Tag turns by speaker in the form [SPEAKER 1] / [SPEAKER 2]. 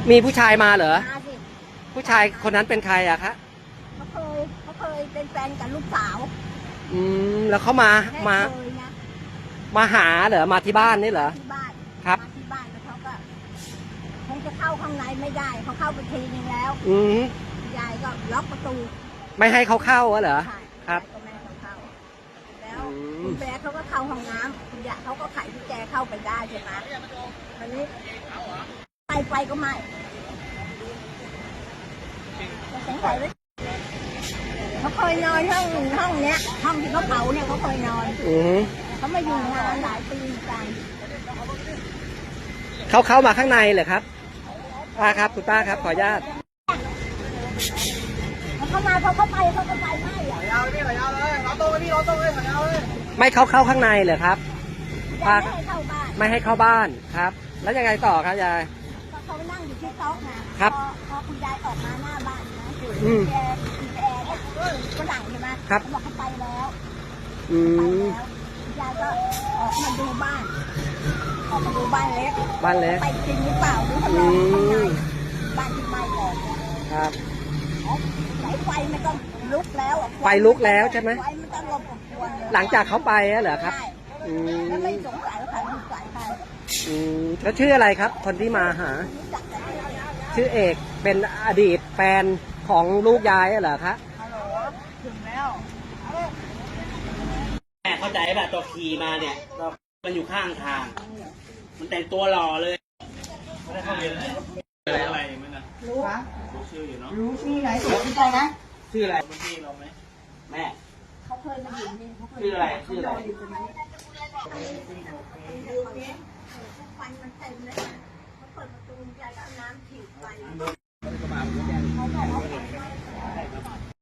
[SPEAKER 1] มีผู้ชายมาเหรอ
[SPEAKER 2] มาสิ
[SPEAKER 1] ผู้ชายคนนั้นเป็นใครอะคะ
[SPEAKER 2] เขาเคยเป็นแฟนกับลูกสาว
[SPEAKER 1] แล้วเขามา
[SPEAKER 2] เคยนะ
[SPEAKER 1] มาหาเหรอมาที่บ้านนี่เหรอ
[SPEAKER 2] ที่บ้าน
[SPEAKER 1] ครับ
[SPEAKER 2] มาที่บ้านแล้วเขาก็คงจะเข้าข้างในไม่ได้เขาเข้าไปทีนึงแล้วยายก็ล็อกประตู
[SPEAKER 1] ไม่ให้เขาเข้าเหรอครับ
[SPEAKER 2] ก็ไม่ให้เขาเข้าแล้วคุณแม่เขาก็เข้าห้องน้ำคุณยายเขาก็ไขกุญแจเข้าไปได้ใช่ไหมตอนนี้ไฟก็ไหม้เขาเคยนอนห้องเนี้ยห้องที่เขาเผาเนี่ยเขาเคยนอนเขามาอยู่งานหลายปีกัน
[SPEAKER 1] เขาเข้ามาข้างในเหรอครับป้าครับคุณป้าครับขออนุญาต
[SPEAKER 2] เขามาเขาไปไม่
[SPEAKER 3] ยาวนี่ยาวเลยเราโต้นี่เราโต้เลยยาวเลย
[SPEAKER 1] ไม่เข้าข้างในเหรอครับ
[SPEAKER 2] ป้าไม่ให้เข้าบ้าน
[SPEAKER 1] ไม่ให้เข้าบ้านครับแล้วยังไงต่อครับยาย
[SPEAKER 2] เขานั่งอยู่ที่โต๊ะนะครับพอคุณยายออกมาหน้าบ้านนะแกก็หลังใช่ไหม
[SPEAKER 1] ครับ
[SPEAKER 2] บอกเขาไปแล้วยายก็ออกมาดูบ้านเล็กไปจริงหรือเปล่าหรือทำไมข้างในบ้านที่ไหม้ก่อน
[SPEAKER 1] ครับ
[SPEAKER 2] ไฟมันก็ลุกแล้ว
[SPEAKER 1] ไฟลุกแล้วใช่ไหม
[SPEAKER 2] ไฟมันก็ลมอบอวน
[SPEAKER 1] หลังจากเขาไปเหรอครับ
[SPEAKER 2] แล้วไม่สงสัยว่าใครสงสัยใคร
[SPEAKER 1] แล้วชื่ออะไรครับคนที่มาหาชื่อเอกเป็นอดีตแฟนของลูกยายเหรอครับ
[SPEAKER 2] ฮัลโหลถึงแล้ว
[SPEAKER 4] แม่เข้าใจป่ะตัวขี่มาเนี่ยมันอยู่ข้างทางมันแต่งตัวหล่อเลยไม่ได้เข้าเรียนอะไรมั้ยนะรู้ชื่ออยู่เนาะ
[SPEAKER 2] รู้ชื่อไหนสนใจนะ
[SPEAKER 4] ชื่ออะไรเป็นพี่เราไหมแม่
[SPEAKER 2] เขาเคยมาอยู่นี่
[SPEAKER 4] ชื่ออะไรชื่ออะไร
[SPEAKER 2] ฟันมันเต็มเลยเขาเปิดประตูใจก็น้ำฉีดไป